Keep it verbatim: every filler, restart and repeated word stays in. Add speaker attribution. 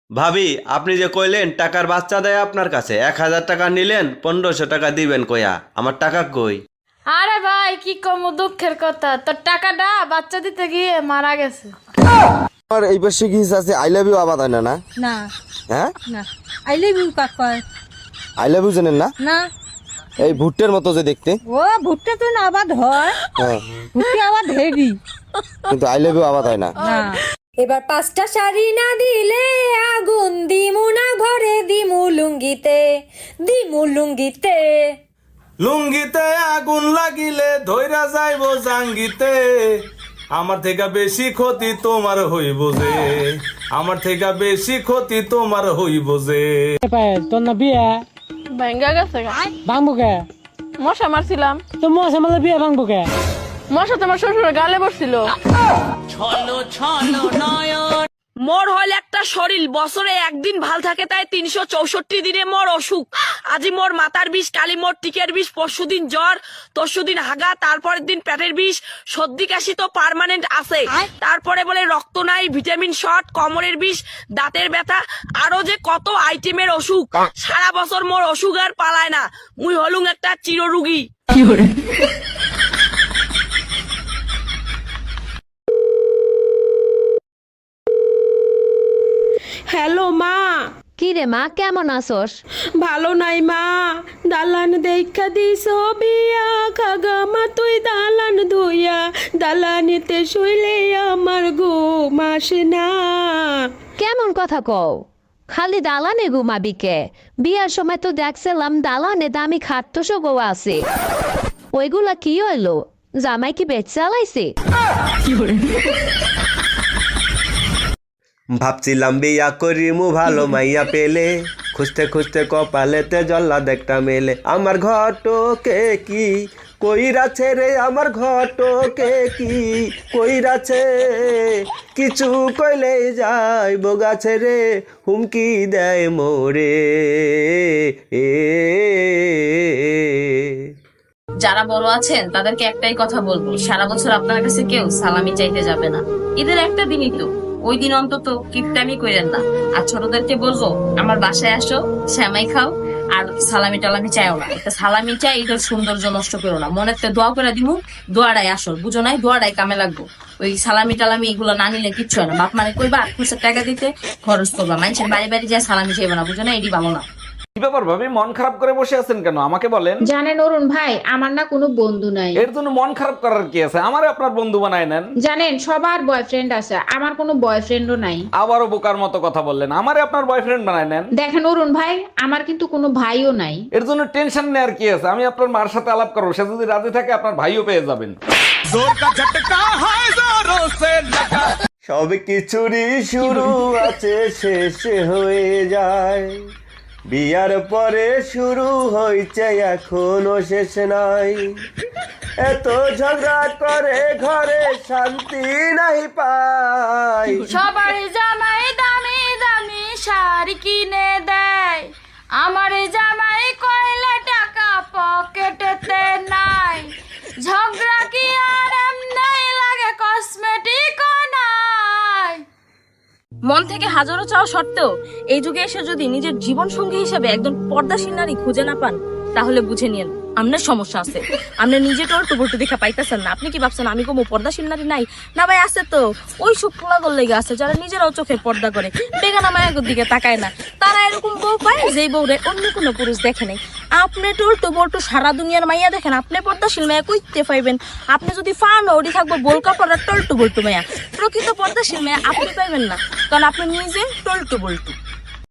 Speaker 1: ভাবি, আপনি যে কইলেন টাকার বাচ্চা দেয় আপনার কাছে, এক হাজার টাকা নিলেন, পনেরোশো টাকা দিবেন কয়া, আমার টাকা কই?
Speaker 2: আরে ভাই কি কম দুঃখের কথা, তোর টাকাটা বাচ্চা দিতে গিয়ে মারা গেছে।
Speaker 3: আর এই পাশে কি আছে আই লাভ ইউ আবাদ হয় না না
Speaker 4: না
Speaker 3: হ্যাঁ
Speaker 4: না আই লাভ ইউ কাক কয়?
Speaker 3: আই লাভ ইউ জানেন না?
Speaker 4: না
Speaker 3: এই ভুট্টের মতো যে দেখতে।
Speaker 4: ও ভুট্টা তো না আবাদ হয়,
Speaker 3: হ্যাঁ
Speaker 4: ভুট্টা আবাদ হেভি,
Speaker 3: কিন্তু আই লাভ ইউ আবাদ হয় না।
Speaker 4: না
Speaker 5: এবার পাঁচটা শাড়ি না দিলে আগুন দিমু না ঘরে, দিমু লুঙ্গিতে, দিমু লুঙ্গিতে।
Speaker 6: লুঙ্গিতে আগুন লাগিলে ধৈরা যাইব জাঙ্গিতে, আমার থেকে বেশি ক্ষতি তোমার হইব যে, আমার থেকে বেশি ক্ষতি তোমার হইব যে।
Speaker 7: তোর না বিয়ে
Speaker 2: ভেঙ্গা গেছে গা।
Speaker 7: ভাঙবো কে?
Speaker 2: মশা মারছিলাম
Speaker 7: তো মশা মারলে বিয়ে ভাঙবো কে?
Speaker 2: মশা তোমার শ্বশুরের গালে বসছিল।
Speaker 8: মোর হল একটা শরীর, বছরে একদিন ভাল থাকে তাই তিনশো চৌষট্টি দিনে মোর অসুখ। আজি মোর মাথার বিষ, কালি মোর টিকের বিষ, পরশু দিন জ্বর, তরশু দিন হাগা, তারপরের দিন পেটের বিষ, সর্দি কাশি তো পার্মানেন্ট আছে, তারপরে বলে রক্ত নাই, ভিটামিন শর্ট, কোমরের বিষ, দাঁতের ব্যথা, আরো যে কত আইটেমের অসুখ। সারা বছর মোর অসুখ আর পালায় না, মুই হলুম একটা চিররোগী।
Speaker 9: হ্যালো মা।
Speaker 10: কি রে মা, কেমন আছোস?
Speaker 9: ভালো নাই মা, দালান দেখা দিস বিয়া, খাগা মা তুই দালান ধুইয়া, দালানেতে শুইলে আমার ঘুম আসে না।
Speaker 10: কেমন কথা কও? খালি দালানে ঘুমাবি কে? বিয়ার সময় তো দেখছিলাম দালানে দামি খাট্টসো গো আছে, ওইগুলা কি হইলো? জামাই কি বেচ চালাইছে?
Speaker 1: ভাবছিলাম বিয়া করিমু ভালো মাইয়া পেলে, খুঁজতে খুঁজতে কপালেতে জল্লা দেখটা মেলে, আমার ঘটকে কি কইরাছে রে, আমার ঘটকে কি কইরাছে, কিছু কইলে যাই বগাছে রে, হুমকি দেয় মোরে। এ
Speaker 11: যারা বড় আছেন তাদেরকে একটাই কথা বলবো, সারা বছর আপনার কাছে কেউ সালামি চাইতে যাবে না, ঈদের একটা দিনই তো, ওই দিন অন্তত কিপটামি করেন না। আর ছোটদেরকে বলবো আমার বাসায় আসো, শ্যামাই খাও, আর সালামি টালামি চাইও না, একটা সালামি চাই, এটার সৌন্দর্য নষ্ট করো না, মনে একটা দোয়া করে দিমু, দোয়াটাই আসল, বুঝো নাই? দোয়াটাই কামে লাগবো, ওই সালামি টালামি এগুলো না নিলে কিচ্ছু হয় না। বাপ মানে কইবা আট খুশের টাকা দিতে খরচ করবা, মানুষের বাড়ি বাড়ি যায় সালামি চাইবে না, বুঝো না? এটি ভালো না।
Speaker 6: কি ব্যাপার ভাবি, মন খারাপ করে বসে আছেন কেন? আমাকে বলেন।
Speaker 12: জানেন অরুণ ভাই, আমার না কোনো বন্ধু নাই।
Speaker 6: এর জন্য মন খারাপ করার কি আছে? আমারে আপনার বন্ধু বানায় নেন।
Speaker 12: জানেন সবার বয়ফ্রেন্ড আছে, আমার কোনো বয়ফ্রেন্ডও নাই।
Speaker 6: আবারও বোকার মতো কথা বললেন, আমারে আপনার বয়ফ্রেন্ড বানায় নেন।
Speaker 12: দেখেন অরুণ ভাই, আমার কিন্তু কোনো ভাইও নাই।
Speaker 6: এর জন্য টেনশন নেওয়ার কি আছে? আমি আপনার মার সাথে আলাপ করবো, সে যদি রাজি থাকে আপনার ভাইও পেয়ে যাবেন।
Speaker 1: সব কিছুরই শুরু আছে, শেষে হয়ে যায়, বিয়ার পরে শুরু হয়েছে এখনো শেষ নাই, এত ঝগড়া করে ঘরে শান্তি নাই পাই।
Speaker 2: সবার জামাই দামি দামি শাড়ি কিনে দেয়, আমার জামাই কয়লা টাকা পকেটেতে নাই, ঝগড়া কি আর এমনি লাগে, কসমেটিক নাই।
Speaker 8: মন থেকে হাজারো চাওয়া সত্ত্বেও এই যুগে এসে যদি নিজের জীবন সঙ্গী হিসেবে একজন পর্দাশীল নারী খুঁজে না পান, তাহলে বুঝে নিন আপনার সমস্যা আছে। আপনি নিজে তো টুবলটু দেখা পাইতেছেন না। আপনি কি ভাবছেন আমি কোনো পর্দাশীল নারী নাই? না ভাই, আছে তো। ওই সব পোলাগল লেগে আছে যারা নিজেরাও চোখের পর্দা করে, বেগানা মায়ের দিকে তাকায় না, তারা এরকম বউ পায় যেই বউরে অন্য কোনো পুরুষ দেখে নাই। আপনি টুলটু বল্টু সারা দুনিয়ার মাইয়া দেখেন, আপনি পর্দাশীল মায়া কইতে পাইবেন? আপনি যদি ফান ওডি থাকবো বোলকা পড়ার টলটু বল্টু মায়া, প্রকৃত পর্দাশীল মায়া আপনি পাইবেন না, কারণ আপনি নিজে টলটু বল্টু।